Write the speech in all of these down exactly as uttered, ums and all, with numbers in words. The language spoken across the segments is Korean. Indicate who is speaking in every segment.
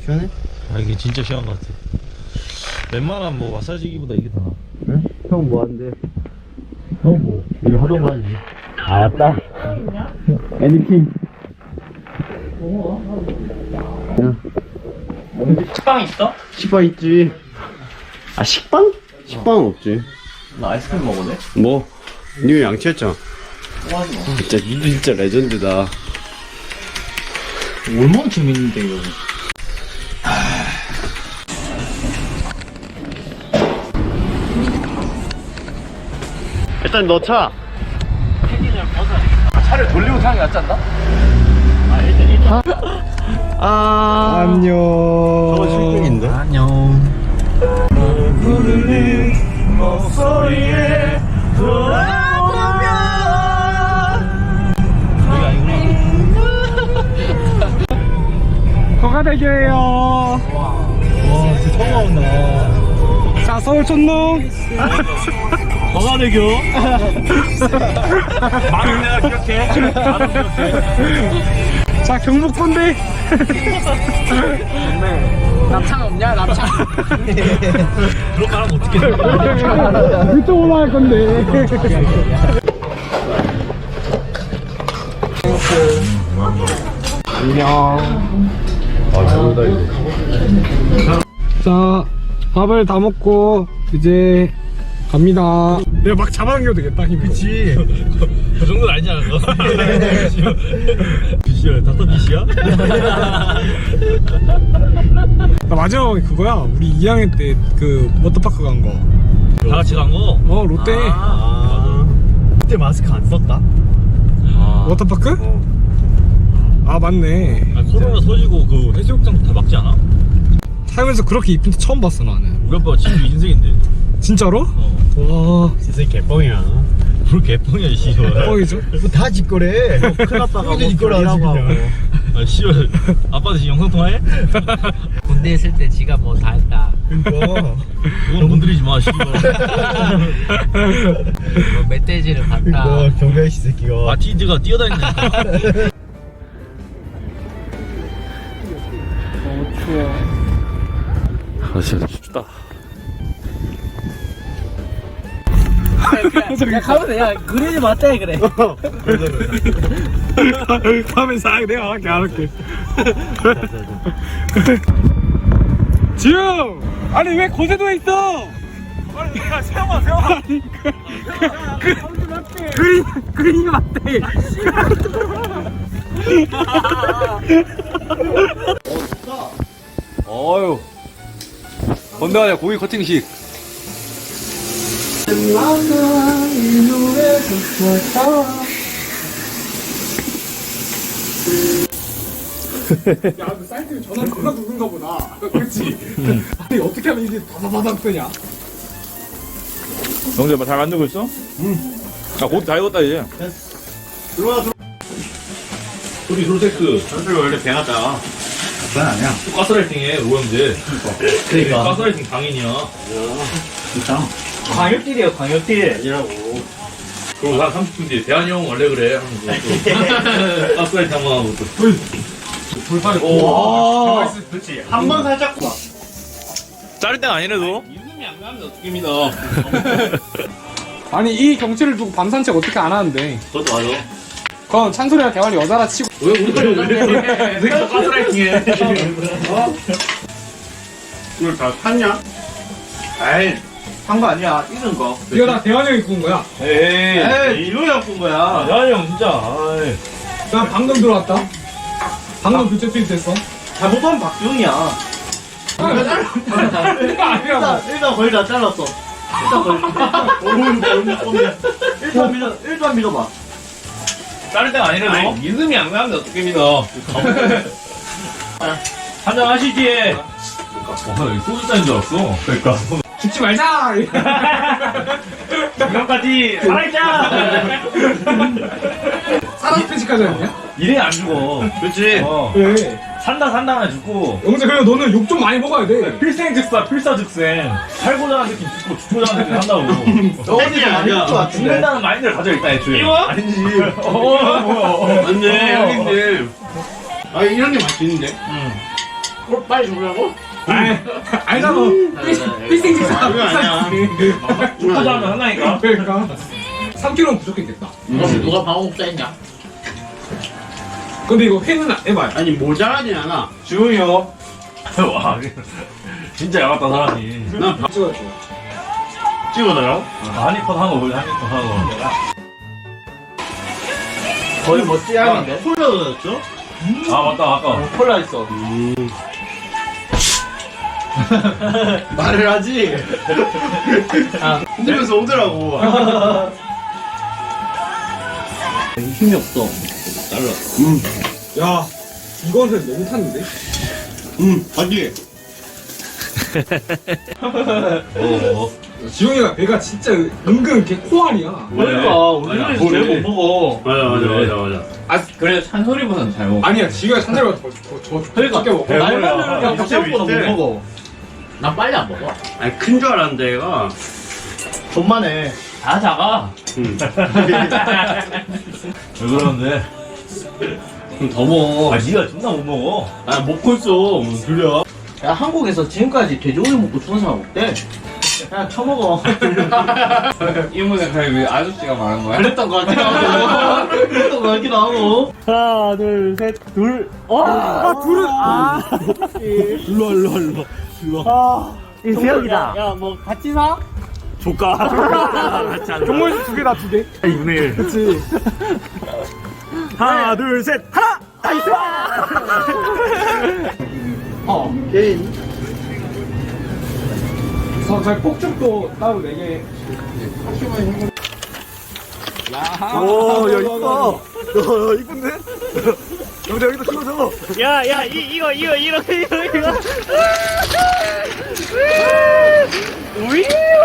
Speaker 1: 시원해?
Speaker 2: 아 이게 진짜 시원한 것 같아. 웬만한 뭐 마사지기보다 이게 더 나아.
Speaker 1: 응? 형 뭐한대?
Speaker 2: 형 뭐? 이거 하던 거 아니지?
Speaker 1: 알았다. 애니킹.
Speaker 2: 식빵 있어?
Speaker 1: 식빵 있지. 아 식빵? 식빵은 없지.
Speaker 2: 나 아이스크림 먹어네?
Speaker 1: 뭐? 니 양치했잖아. 진짜 니 진짜 레전드다.
Speaker 2: 얼마나 재밌는데 이거.
Speaker 1: 일단 넣자.
Speaker 2: 차를 돌리고 타는 게 낫지 않나?
Speaker 1: 아 안녕. 저거 실패인데?
Speaker 2: 안녕. 목소리에 돌아보면 여기 아니구나.
Speaker 3: 거가대교예요.
Speaker 2: 와 진짜 처음 와본다.
Speaker 3: 자, 서울 촌농.
Speaker 2: 거가대교. 말은 내가 기억해. 말은 기억해.
Speaker 3: 자, 경복군대.
Speaker 4: 납창 없냐? 납창.
Speaker 2: 그런 말 하면 어떡해.
Speaker 3: 유튜브 올라갈 건데. 안녕.
Speaker 2: 아 잘못다 이제.
Speaker 3: 자, 밥을 다 먹고 이제 갑니다. 내가 막 잡아당겨도 되겠다, 힘.
Speaker 2: 그치. 그 정도는 아니잖아 너. 비시야? 닥터 비시야?
Speaker 3: 나 마지막에 그거야. 우리 이 학년 때 그 워터파크 간 거.
Speaker 2: 다 같이 간 거?
Speaker 3: 어, 롯데.
Speaker 2: 아, 그때 마스크 안 썼다? 아.
Speaker 3: 워터파크?
Speaker 2: 어.
Speaker 3: 아, 맞네.
Speaker 2: 아, 코로나 터지고 그 해수욕장 다 막지 않아?
Speaker 3: 살면서 그렇게 이쁜 데 처음 봤어, 나는.
Speaker 2: 우리 아빠가 진짜 인생인데?
Speaker 3: 진짜로?
Speaker 2: 어.
Speaker 3: 와,
Speaker 1: 진짜 개뻥이야.
Speaker 2: 뭘 개뻥이야 이 씨발.
Speaker 3: 뻥이죠?
Speaker 1: 다 짓거래. 큰아빠가 뭐 짓거라고 하고.
Speaker 2: 아 씨발. 아빠도 지금 영상 통화해?
Speaker 4: 군대 있을 때 지가 뭐 다 했다.
Speaker 1: 그니까.
Speaker 2: 그건 건드리지 마 씨발.
Speaker 4: 뭐 멧돼지를 봤다.
Speaker 1: 경배씨 새끼가.
Speaker 2: 마티즈가 뛰어다닌다니까.
Speaker 4: 너무 추워.
Speaker 2: 아 진짜 춥다.
Speaker 4: 야, 가면 야, 그린이 맞다, 그래.
Speaker 3: 다음에 싹 내가 할게 안 할게. 지웅! 아니 왜 거제도에 있어?
Speaker 2: 아니 야 세영아 세영아.
Speaker 3: 아니 그, 그, 그, 그린, 그린이 맞대.
Speaker 2: 어휴. 건너가자 고기 커팅식.
Speaker 3: 야, 그 사이트에 전화 누가 누군가 보다. 그렇지? 아니 어떻게 하면 이게 바바바닥 뜨냐?
Speaker 2: 영재 잘 만들고 있어? 응. 아 고기 다 익었다 이제.
Speaker 1: 들어와 들어와.
Speaker 2: 우리 솔텍스.
Speaker 1: 전투가 원래 배나다. 그건 아니야.
Speaker 2: 또 가스라이팅해 오영재.
Speaker 1: 그러니까.
Speaker 2: 가스라이팅 강인이야.
Speaker 1: 진짜.
Speaker 4: 광역딜이에요, 광역딜.
Speaker 1: 아니라고.
Speaker 2: 그리고 한 삼십 분 뒤에 대한이 형 원래 그래 하면서 또 가스라이팅 한번 하고 또.
Speaker 3: 돌팔이.
Speaker 2: 오.
Speaker 1: 그렇지. 한 번 살짝.
Speaker 2: 자를 땐 아니래도.
Speaker 4: 이름이 안 가면 어떻게 믿어?
Speaker 3: 아니 이 경치를 두고 밤 산책 어떻게 안 하는데?
Speaker 2: 그것도 맞아.
Speaker 3: 그건 찬소리랑 대화를 여자라 치고.
Speaker 2: 왜 우리도 왜 내가 가스라이팅해?
Speaker 1: 이걸 다 탔냐? 에이, 한 거 아니야. 익은 거.
Speaker 3: 이거 다 대환이 형이 구운 거야.
Speaker 2: 에이.
Speaker 1: 에이, 이거 형 꾼 거야.
Speaker 2: 대한이 형 진짜. 아이.
Speaker 3: 난 방금 들어왔다. 방금 교체 투입됐어.
Speaker 1: 잘못하면 박지웅이야.
Speaker 3: 이거 아니라고.
Speaker 1: 일단, 일단 거의 다 잘랐어. 일단 거의. 오늘 너무 뻔해. 일단 믿어, 일단 믿어봐.
Speaker 2: 자를 땐 아니래도.
Speaker 4: 믿음이 안 가면 어떻게 믿어?
Speaker 2: 한잔 하시지. 어, 나 소주 잔인 줄 알았어. 그러니까.
Speaker 3: 죽지 말자.
Speaker 2: 이것까지 살아있자.
Speaker 3: 사람 편식하지 않냐?
Speaker 2: 이래 안 죽어.
Speaker 1: 그렇지.
Speaker 2: 어.
Speaker 3: 왜?
Speaker 2: 산다 산다 하나 죽고.
Speaker 3: 영재 그래 너는 욕 좀 많이 먹어야 돼.
Speaker 2: 필생즉사 필사즉생. 살고자 하는 새끼 죽고 죽고자 하는 새끼 산다고.
Speaker 1: 너 어디 아니야?
Speaker 2: 죽는다는 마인드를 가져 일단 애초에.
Speaker 1: 이거? 아니지.
Speaker 2: 어, 뭐야.
Speaker 1: 맞네, 형님들. 아, 이런 게 맛있는데?
Speaker 2: 응.
Speaker 1: 그걸 빨리 주려고?
Speaker 3: 아이, 알잖아. 필생 식사.
Speaker 1: 그거 아니야.
Speaker 2: 축구도 하면 하나니까.
Speaker 3: 그러니까. 삼 킬로그램 부족했겠다.
Speaker 1: 혹시 누가 방어복사 했냐?
Speaker 3: 근데 이거 회는 해봐요.
Speaker 1: 아니 모자라진 않아.
Speaker 3: 주용이 형.
Speaker 2: 와, 진짜 야갔다 사람이.
Speaker 1: 난 방...
Speaker 3: 찍어줘.
Speaker 1: 찍어달라고?
Speaker 2: 한입컷 하고 원래 한입컷 하고.
Speaker 4: 거의 뭐 찌양인데?
Speaker 1: 콜라도 넣었죠?
Speaker 2: 아 맞다 아까.
Speaker 4: 콜라 있어.
Speaker 1: 말을 하지. 아, 흔들면서 오더라고.
Speaker 4: 힘이 없어.
Speaker 1: 잘라.
Speaker 3: 야, 이거는 너무 탔는데?
Speaker 1: 음, 맞지?
Speaker 2: 어.
Speaker 3: 지용이가 배가 진짜 은근 걔 코알이야.
Speaker 4: 그러니까 우리는 제일 못 먹어.
Speaker 1: 맞아, 맞아, 맞아, 맞아.
Speaker 4: 아 그래 찬소리보다는 잘 먹어.
Speaker 3: 아니야, 지용이가 찬자리가 더, 더, 더,
Speaker 4: 그러니까
Speaker 3: 적게 먹어.
Speaker 4: 말만 들으면
Speaker 1: 역시
Speaker 4: 생각보다
Speaker 1: 비슷해.
Speaker 4: 못 먹어.
Speaker 1: 난 빨리 안 먹어. 아니, 큰 줄 알았는데, 얘가.
Speaker 4: 돈만 해. 다 작아.
Speaker 1: 음.
Speaker 2: 왜 그러는데?
Speaker 1: 그럼 더 먹어.
Speaker 2: 아 니가 존나 못 먹어.
Speaker 1: 아, 먹고 있어. 무슨 소리야.
Speaker 4: 야 한국에서 지금까지 돼지고기 먹고 죽은 사람 없대. 그냥 처먹어.
Speaker 5: 이문에 가면 왜 아저씨가 말한 거야?
Speaker 4: 그랬던 거 같기도 하고. 그랬던 거 같기도 하고.
Speaker 1: 하나, 둘, 셋, 둘.
Speaker 3: 아, 둘은, 아.
Speaker 1: 일로, 일로, 일로. 일로. 아, 이 대역이다. 야, 뭐, 같이 사? 조까. 같이 안
Speaker 3: 종물 두 개다, 두 개.
Speaker 1: 이분의 일.
Speaker 3: 그치.
Speaker 1: 하나, 둘, 셋, 하나! 나이스!
Speaker 3: 어.
Speaker 1: 게임.
Speaker 3: 저, 저 폭죽도 따로 네 개.
Speaker 1: 오, 야, 이뻐. 야, 이쁜데? 여기다, 여기다 찍어줘. 야, 야, 이, 이거, 이거, 이거, 이거, 이거. 우이!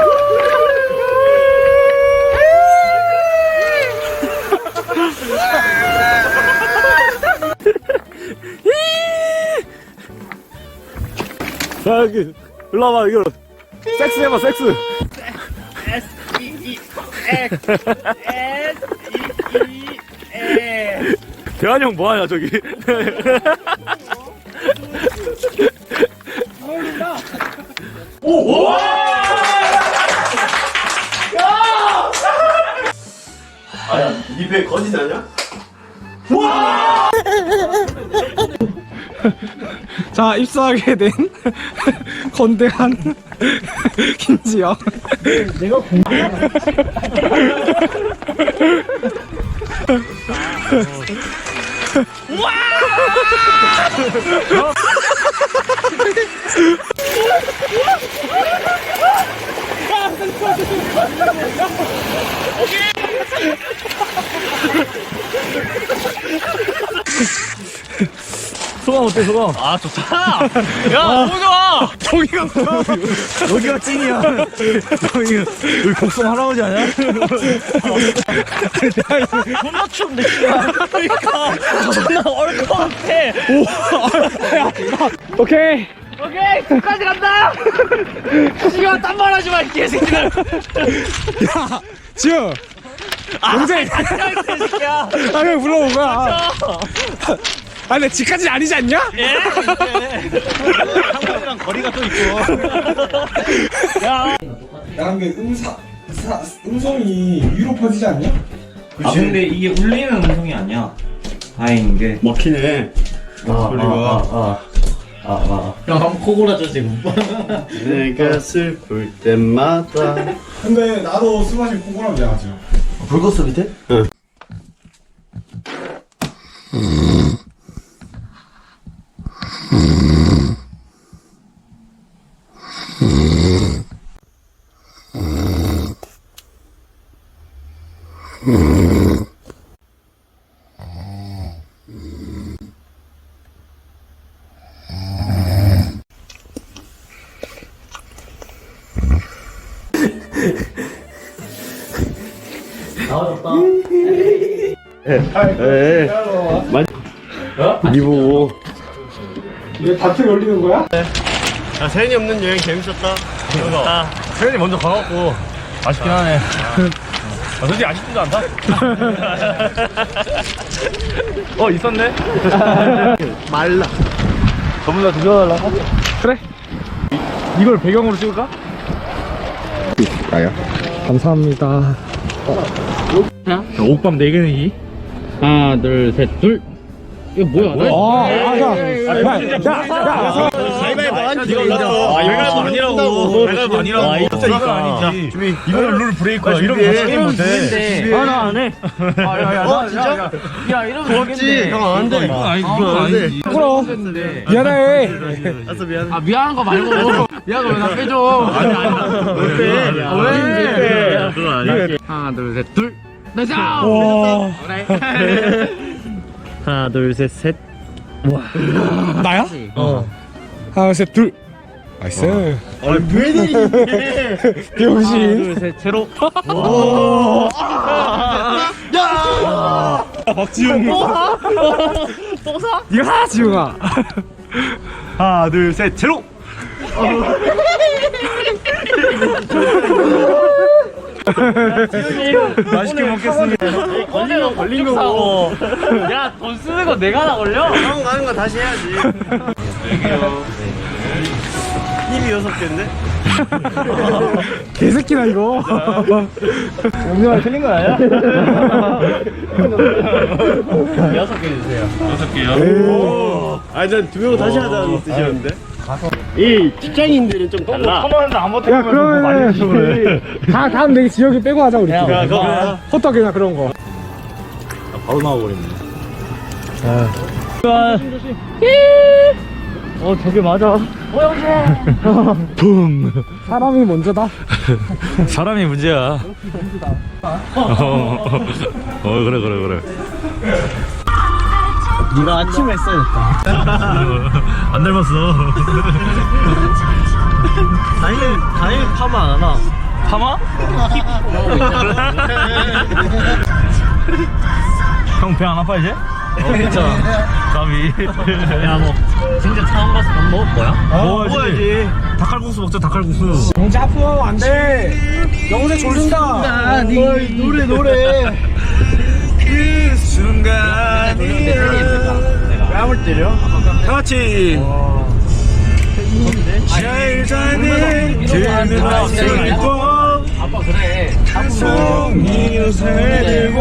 Speaker 1: 자, 여기, 일로 와봐, 이거. 섹스 해봐, 섹스. 대환이 형 뭐하냐 저기. 오! 오! 아야, 니배 거짓 아니야?
Speaker 3: 자, 입사하게 된 건대한 김지영.
Speaker 4: 내가 공부해.
Speaker 1: 소감 어때 소감?
Speaker 4: 아 좋다. 야 너무 좋아.
Speaker 1: 저기가 여기가 찐이야. 여기 여기 곡성 할아버지 아니야?
Speaker 4: 존나 추운데 씨발. 그러니까 존나 얼 것 같아.
Speaker 3: 오케이.
Speaker 4: 오케이 끝까지 간다. 씨발 딴말 하지 마 이 개새끼들.
Speaker 3: 야, 지영.
Speaker 4: 동생. 같이 할 새끼야.
Speaker 3: 아, 그냥 불러온 거야. 아, 근데 집까지는 아니지 않냐?
Speaker 4: 예.
Speaker 1: 한국이랑 거리가 또 있고.
Speaker 3: 야, 근데 음사, 사, 음성이 위로 퍼지지 않냐?
Speaker 5: 아 근데 이게 울리는 음성이 아니야. 다행인 게.
Speaker 1: 먹히네. 소리가.
Speaker 4: 형 한번 코 골아줘 지금.
Speaker 1: 내가 슬플 때마다.
Speaker 3: 근데 나도 술 마시면 코골하면 야하지.
Speaker 1: 불 껐어 밑에? 응.
Speaker 4: 나와줬다.
Speaker 1: 에. 많이. 니 보고.
Speaker 3: 이게 다트 열리는 거야?
Speaker 1: 야, 세연이 없는 여행 재밌었다.
Speaker 2: 아, 세연이 먼저 가갖고 아쉽긴 하네. 아, 솔직히 아쉽지도 않다. 어 있었네.
Speaker 1: 말라. 전부 다 드셔달라고? 그래. 이걸 배경으로 찍을까?
Speaker 3: 나요?
Speaker 1: 감사합니다. 자, 옥밤 네 개 내기.
Speaker 4: 하나, 둘, 셋, 둘. 이거 뭐야?
Speaker 1: 아, 아, 야, 야, 야,
Speaker 2: 가위바위보 아니지. 이거 가위바위보 아니라고. 가위바위보 아니라고. 진짜 이거 아니지. 준비. 이거는 룰 브레이크야. 이런 거 같이 게임 못해.
Speaker 4: 아, 나 안 해. 아, 야, 야, 어, 진짜? 야, 이러면 되겠네.
Speaker 2: 형 안 돼. 이건 아니, 이건 아니지.
Speaker 1: 그럼. 미안해.
Speaker 4: 아, 미안한 거 말고. 미안한 거 왜 나 빼줘. 아니, 아니.
Speaker 2: 왜 빼?
Speaker 4: 아, 왜?
Speaker 2: 그건 아니야.
Speaker 4: 하나, 둘, 셋, 둘. 나자!
Speaker 1: 와.
Speaker 4: 그래.
Speaker 1: 하나, 둘, 셋, 셋. 와. 나야? 어. 하나, 셋, 둘. 나이스.
Speaker 2: 아니, 왜 내리는데?
Speaker 1: 병신.
Speaker 4: 둘, 셋, 제로.
Speaker 1: 박지용.
Speaker 4: 또 사?
Speaker 1: 야, 지용아. 하나, 둘, 셋, 제로. 맛있게 먹겠습니다.
Speaker 4: 걸린 거 걸린 거고. 야, 돈 쓰는 거 내가 다 걸려?
Speaker 2: 형 가는 거 다시 해야지. 힘이 여섯 개인데?
Speaker 1: 개새끼다 이거. 영정아 틀린 거 아니야?
Speaker 4: 여섯 개 주세요.
Speaker 2: 여섯 개요?
Speaker 3: 아니 전두 명 다시 하자는 뜻이었는데 이 직장인들은 좀 달라.
Speaker 2: 터널도 안
Speaker 1: 야 그러면 다 다음 내기 지역이 빼고 하자 우리.
Speaker 3: 야, 그거
Speaker 1: 호떡이나 그런 거.
Speaker 2: 바로 나와버렸네.
Speaker 4: 어, 저게 맞아.
Speaker 1: 붐. 사람이 먼저다.
Speaker 2: 사람이 문제야. 어, 그래, 그래, 그래.
Speaker 4: 네가 아침에 했어야겠다.
Speaker 2: 안 닮았어.
Speaker 4: 다행히, 다행히 파마 안 하나.
Speaker 2: 파마? 형 배 안 아파 이제?
Speaker 4: 어, 괜찮아.
Speaker 2: 까비.
Speaker 4: 야, 뭐, 진짜 차원 가서 밥 먹을 거야?
Speaker 2: 먹어야지. 닭칼국수 먹자, 닭칼국수.
Speaker 1: 영재 아프면 안 돼. 영재 졸린다.
Speaker 3: 노래 노래.
Speaker 2: 그 순간이
Speaker 3: 왜 아무리 때려?
Speaker 2: 같이 잘 자는 그는 들고
Speaker 4: 아빠, 그래.
Speaker 2: 한 송이 옷을 들고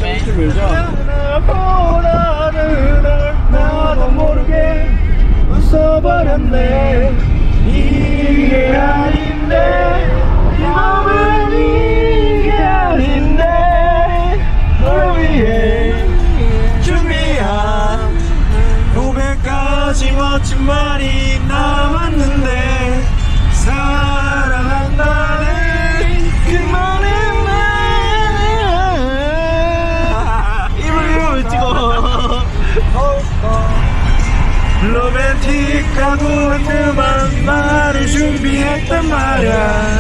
Speaker 2: 나보다는 널 나도 모르게 웃어버렸네. 이게 아닌데 이 마음은 이게 아닌데 널 위해 준비한 고백까지 멋진 말이 남았는데 사랑한다는 그 말은 입을 입을 찍어 로맨틱하고 뜸한 말을 준비했단 말야.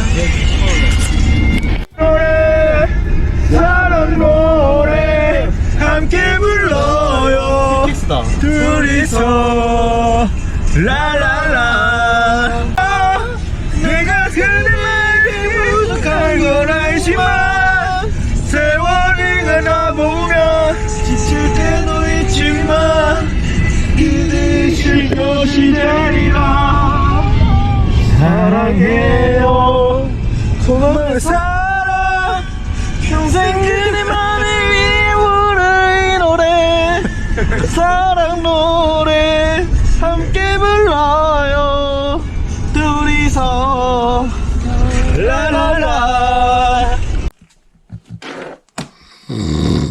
Speaker 2: 노래 사랑 노래 함께 불러요 둘이서 라라라. 내가 그대에게 부족한 걸 알지만 세월이 가다보면 지칠 때도 있지만 그대 쉴 것이 되리라. 사랑해요 정말 사랑 평생 그대만을 위해 부를 이 노래 사랑 노래 함께 불러요 둘이서 라라라.